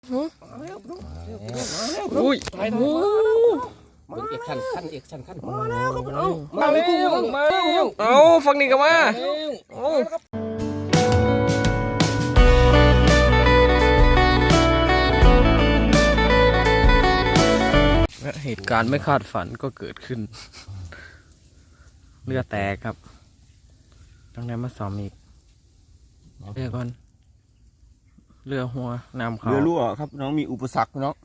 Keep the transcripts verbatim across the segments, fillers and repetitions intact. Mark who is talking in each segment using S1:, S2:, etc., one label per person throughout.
S1: อุ้ยโอ้
S2: เบิ้งเอกชันขั้นเอกชันขั้น
S1: มาแล้วครับเอามาเร็วมาเร็วเอาฟังนี่กันมาเอาเหตุการณ์ไม่คาดฝันก็เกิดขึ้นเรือแตกครับต้องได้มาซ้อมอีกเรือก่อนเรือหัวน้ำเขา
S3: เรือรั่วครับน้องมีอุปสรรคน้อง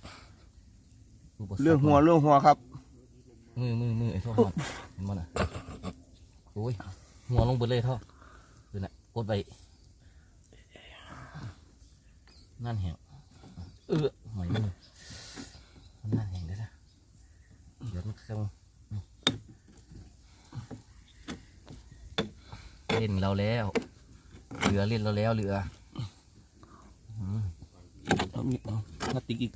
S3: เรื่องหัวเรื่องหัวครับ
S2: มือมือมือไอ้ท่อเห็นมั้ยน่ะโอ้ยหัวลงเบิดเลยท่อดูน่ะกดไปนั่นแหงเออหอยมือมันนั่นแหงได้ละเดี๋ยวมันเข้าเล่นเราแล้วเรือเล่นเราแล้วเรือ
S3: เอามีเอาพลาสติกอีก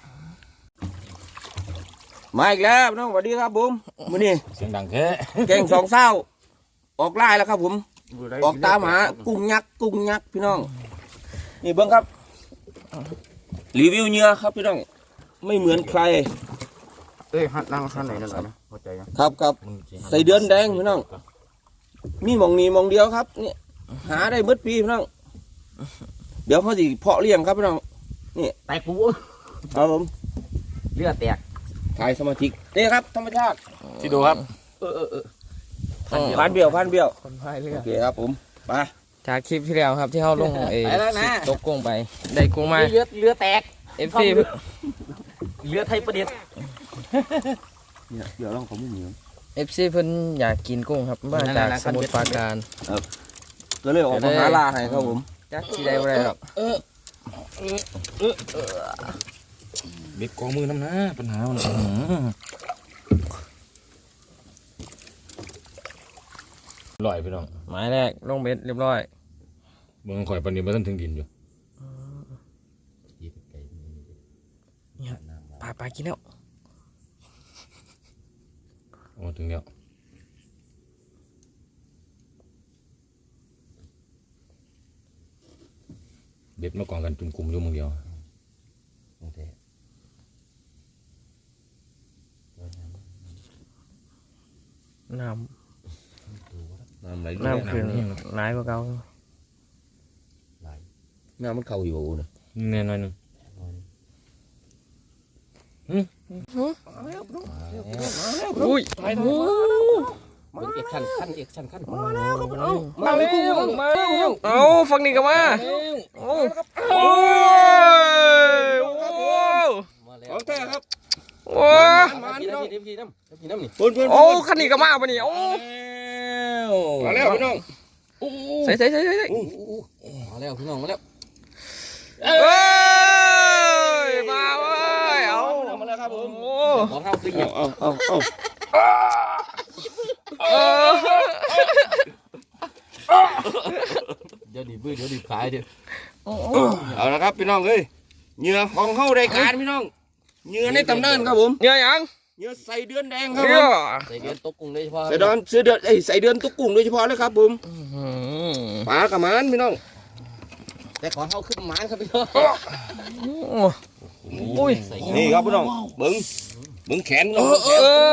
S3: มาอีกแล้วน้องสวัสดีครับผมมื้อนี้
S2: เสียงดังแค่
S3: แกงสองเศร้าออกไล่แล้วครับผมออกตามหากุ้งยักษ์กุ้งยักษ์พี่น้องนี่เบิ้งครับรีวิวเนื้อครับพี่น้องไม่เหมือนใคร
S4: เอ้ยฮัดนั่งข้างไหนนั่นแหละนะเข้าใจยัง
S3: ครับครับใส่เดือนแดงพี่น้องมีหมองนี้หมองเดียวครับนี่หาได้มืดปีพี่น้องเดี๋ยวเขาสิเพาะเลี้ยงครับพี่น้องนี่
S2: แตกปู
S3: ครับผม
S2: เลือดแตก
S3: ถ่ายสมาธินี่ครับธรรมชาติ
S4: ที่ดูครับ
S2: เออเออเออ
S3: พันเบี้ยวพันเบี้ยว
S1: คนพายเรือ
S3: โอเคครับผมไป
S1: จากคลิปที่แล้วครับที่เขาลงเอตกกุ้งไปได้กุ้งมา
S2: เลือดเลือดแตก
S1: เอฟซี
S2: เลือดไทยประเด็น
S3: เนี่ยเดี๋ยวลองเขาไม่เหนียว
S1: เอฟซีเพิ่นอยากกินกุ้งครับมาจากสมุทรปราการ
S3: ก็เลยออกมาหาลาให้ครับผม
S1: จักที่ได้บ่ได้หรอก
S4: เบ็ดกองมือน้ำนะปัญหามันลอยพี่น้อง
S1: หมายแรกลงเบ็ดเรียบร้อย
S4: เมืองข่อยปันนี้มันถึงดินอยู่
S1: ปลาปลากินแล้ว
S4: โอ้ถึงแล้วเบ็ดมากองกันจุ่มกลุ่มอยู่มึงเดียว
S1: น้
S3: น้ำไหล
S1: ำน้ำขึ้นร้ายกว่าเก่า
S3: น้ำมันเข้าอยู่นะ
S4: แน่นอนนึง
S1: อุ้ยโอ้
S2: เบิ้งเอกชันขั้นเอกชันขั้น
S1: มาแล้วมาเร็วมาเร็วเอาฟังนี่กันมาโอ้โอ้ยโอ้
S2: มาแล้ว
S3: ของแท้ครับ
S1: โอ้
S2: มาพี่น้ำพี่น้ำพี่น้ำนี่
S3: เพื่อนเพื่อน
S1: โอ้คันนี้กันมาปะนี่โอ้
S3: มาแล้วพี่น้อง
S1: ใส่ใส่ใส่ใส่
S2: มาแล้วพี่น้องมาแล้ว
S1: เอ้ยมาเว้ยเอา
S3: มาแล้วครับผม
S1: โอ้
S2: ขอเท้าตีอย่าง
S3: เอาเอาเอา
S2: เดี๋ยวดีบื้อเดี๋ยวดีขายเดี๋ยว
S3: เอาละครับพี่น้องเอ้ยเหยื่อของเข้ารายการพี่น้องเหยื่อในตำนานครับผม
S1: เยอะยัง
S3: เหยื่อใส่เดือนแดงครับ
S1: เย
S3: ผม
S1: อะ
S2: ใส่เดือนตกกุ้งโดยเฉพาะ
S3: ใส่เดือนใส่เดือนเอ้ยใส่เดือนตุ๊กกุ้งโดยเฉพาะเลยครับผมปลากระมันพี่น้อง
S2: แต่ขอเท้าขึ้นหมานครับพี่น้อง
S1: อุ้ย
S3: นี่ครับพี่น้องเบิ้งเบิ้งแขนน้อง
S1: เออ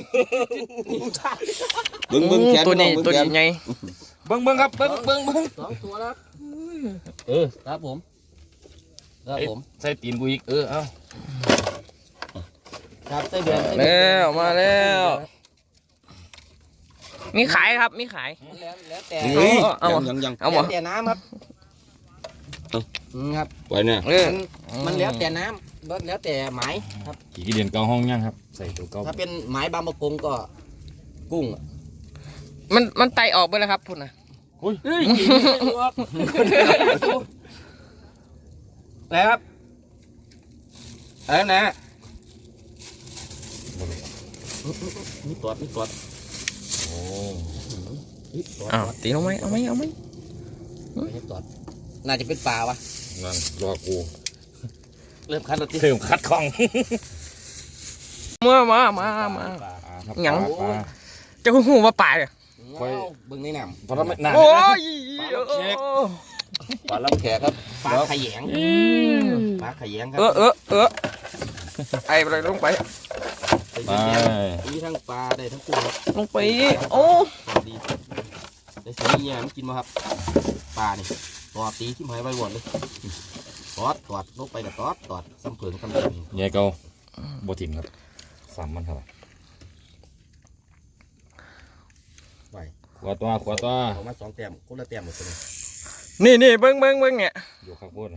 S3: เบิ้งเบิ้งแขน
S1: ตัวนี้
S3: อง
S1: ตัว
S3: เบิ้
S1: นี้
S3: งแข
S1: ไง
S4: เบิ้งเบิ้งครับเบิ้งเบิ้งเบิ้ง
S2: สองตัวแล้วเออครับผมครับผม
S4: ใส่ตีนกูอีกเออเอา
S2: ครับใส่เดือน
S1: แล้วมาแล้วมีขายครับมีขาย
S2: แล้วแล้วแต่
S3: เฮ้ย
S1: เอา
S3: ยั
S1: เอา
S3: งยังยัง
S1: เอาหม
S2: แล้
S1: ด
S2: วแต่น้ำครับครับ
S3: ไว้เนี่ย
S1: เออ
S2: มันแล้วแต่น้ำแล้วแต่หมายครับ
S4: ขี่กี่เดือนเก้าห้องยังครับใส่ตัวเก้า
S2: ถ้าเป็นหมายบางประกงก็กุ้ง
S1: มันมันไตออกไปแล้วครับพุ่นนะ
S2: เฮ้ยแล้วครับอะไรนะนี่ตอดนี่ตอด
S4: โอ้
S1: อ้าวตีเอาไหมเอาไหมเอาไหม
S2: นี่ตอดน่าจะเป็นปลาวะ
S4: นั่นรอกู
S2: เริ่มคัดแล้วที่
S4: เพิ่มคัดของ
S1: มามามามาหยังจะหูว่าป่าเลย
S2: เบึงในน้ำ
S4: เพราะเราไม่นาน
S1: โอ้ย
S3: ปลาลำแขกครับ
S2: ปลา
S3: เดี๋ยว
S2: ขยงปลาขยงครั
S1: เออเออเออไอ้อะไรลงไป
S2: ไปมีทั้งปลาได้ทั้งกุ้ง
S1: ลงไปโอ้
S2: ดีได้สีเนี่ยมันกินมาครับปลานี่ตอดตีที่หายใบวอนเลยตอดตอดลงไปกับตอดตอดซ้ำเผิงซ้ำเผิง
S4: ใหญ่เก่าบ่ถิ่มครับสามมันครับ
S2: ไป
S4: ขวาตัวขวาตัว
S2: เอามาสองแต้มคนละแต้มหมดเลย
S1: นี่นี่เบิ้งเบิ้งเบิ้งเนี่ย
S4: อยู่ข้างบน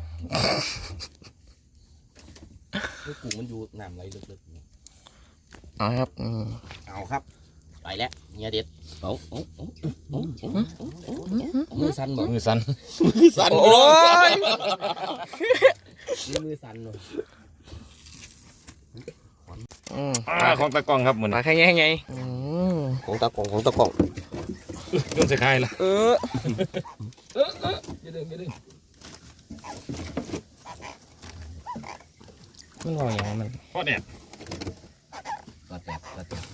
S2: นี่กุ้งมันอยู่น้ำไหลลึก
S1: เอาครับอืม
S2: ๆเอาครับไปแล้วเนี่ยเด็ดเอาเอาเอาเอาเอามือสั่นบ่
S4: มือสั่น
S3: สั่น
S1: โอ้ย
S2: มือสั่นเลย
S1: อืม
S4: อ่าของตะกล้องครับเหมือน
S1: ปลาแค่ไงไงอืม
S3: ของตะกล่องของตะกล่อง
S4: โดนใส่ไข่ละ
S1: เออ
S4: อย่าดึงอย่าดึง
S1: มันรออย่างมัน
S4: พ่อเนี่ย
S2: ตอดแต้มตอดแต้ม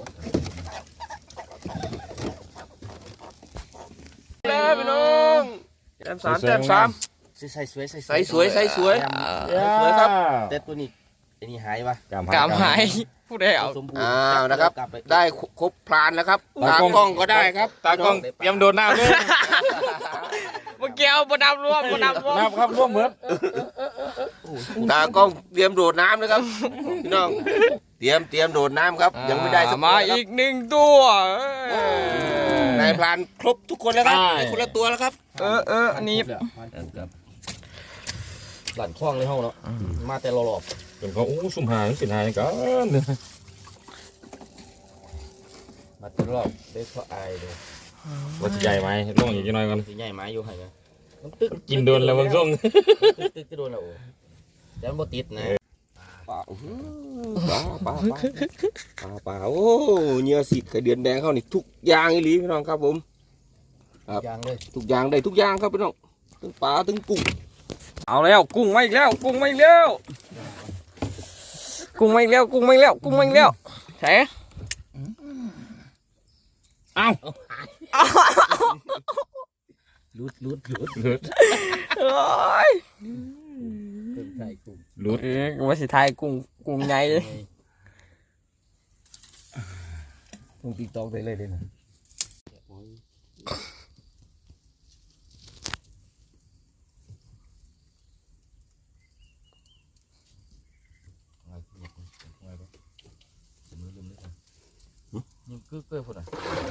S3: แล้วพี่น้องแต้มสามแต้มสาม
S2: ใส่สวยใส่
S3: ใส่สวยใส่สวย สวยครับ
S2: แต่ตัวนี้ไอ้นี่หายวะ
S4: กาม
S1: กามหายผู้ใดเอา
S2: สมบูรณ์
S3: อ้าวนะครับ
S2: กลัไป
S3: ได้ครบพลานแล้วครับตากล้องก็ได้ครับ
S4: ตากล้องเตรียมโดนน้ำเลย
S1: เมื่อกี้เอาบดำรวมบดำรวม
S4: น้ำครับร่วมเหมือน
S3: ตากล้องเตรียมโดดน้ำนะครับพี่น้องเตรียมเตรียมโดดน้ำครับยังไม่ได้สัก
S1: มา
S3: ตัวครับ
S1: อีกหนึ่งตัว
S3: นายพรานครบทุกคนแล้วครับได้คนละตัวแล้วครับ
S1: เออเอออันนี้
S2: หลั่นคล้องในห้องแล้วมาแต่รอบ
S4: เป็นเขาอู้สุ่มหายเป็นหายกัน
S2: ๆมาแต่รอบได้เพราะอายเลย
S4: ว่าจะใหญ่ไหมล่องอีกหน่อยกัน
S2: สีใหญ่ไม้อยู่ให้ไหมมันตึก
S4: กินโดนแล้วบางช่วง
S2: ตึกตึกก็โดนแล้วโอ้แต่มันบ่ติดนะ
S3: ปลาอื้อหือปลาปลาปลาปลาปลาโอ้เหนื้อสีไข่เดือนแดงเขานี่ทุกอย่างอีหลีพี่น้องครับผม ครับ
S2: ยางเลย
S3: ทุกอย่างได้ทุกอย่างครับพี่น้องทั้งปลาทั้งกุ้ง
S1: เอาแล้วกุ้งมาอีกแล้วกุ้งมาอีกแล้วกุ้งมาอีกแล้วกุ้งมาอีกแล้วกุ้งมาอีกแล้วแฉ
S4: เอ้า
S2: ลุดลุดลุด
S4: หลุด
S1: โอ้ย
S2: ตึกใส่กุ้ง
S4: หลุด
S1: เอ๊ะว่าสิทายกุ้งกุ้งใหญ่
S2: กุ้งติ๊กตอกได้เลยเลยนะนี่คือเกลือพุ่นอ่ะ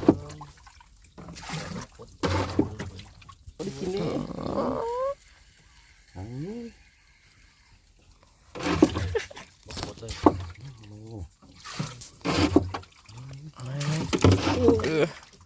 S3: ไม่ได้กินนี่
S2: หมดเลย
S1: เออ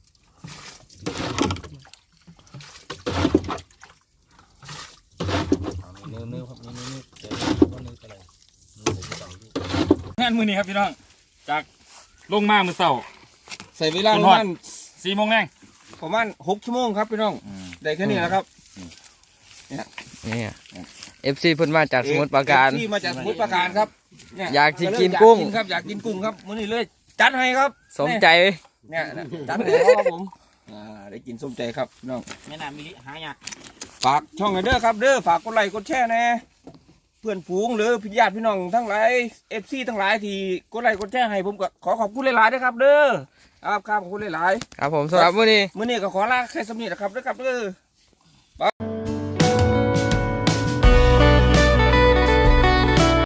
S2: เนื้อเนื้อครับเนื้อเนื้อเดี๋ยวว่าเนื้ออะไรเนื้อผมจะต่างที่
S4: งานมือนี้ครับพี่น้องจากลงมามือเสา
S3: ใส่เวลา
S4: คุ
S3: ป
S4: ณ
S3: ระ
S4: ฮอด
S3: มาณ
S4: สี่โมงแรง
S3: ประมาณหกชั่วโมงครับพี่น้องได้แค่นี้แหละครับ
S1: นี่เอฟซีเพิ่นมาจากสมุทรปราการ
S3: ที่มาจากสมุทรปราการครับเนี่
S1: อยากจะกินกุ้ง
S3: อยาครับอยากกินกุ้งครับมื้อนี้เลยจัดให้ครับ
S1: สมใจ
S3: เนี่ยนะจัดให้แล้วครับผมอ่าได้กินสมใจครับพี่น้อง
S2: แม่น้ำมิลิหายาก
S3: ฝากช่องหน่อยเด้อครับเด้อฝากกดไลค์กดแชร์แน่เพื่อนฝูงหรือพี่ญาติพี่น้องทั้งหลายเอฟซีทั้งหลายที่กดไลค์กดแชร์ให้ผมก็ขอขอบคุณหลายๆด้วยครับเด้อครับครับขอบคุณหลาย
S1: ครับผมสำหรับมื้อนี้
S3: ๆมื้อนี้ก็ขอลาแค่สำนีนะครับเด้อครับเด้อ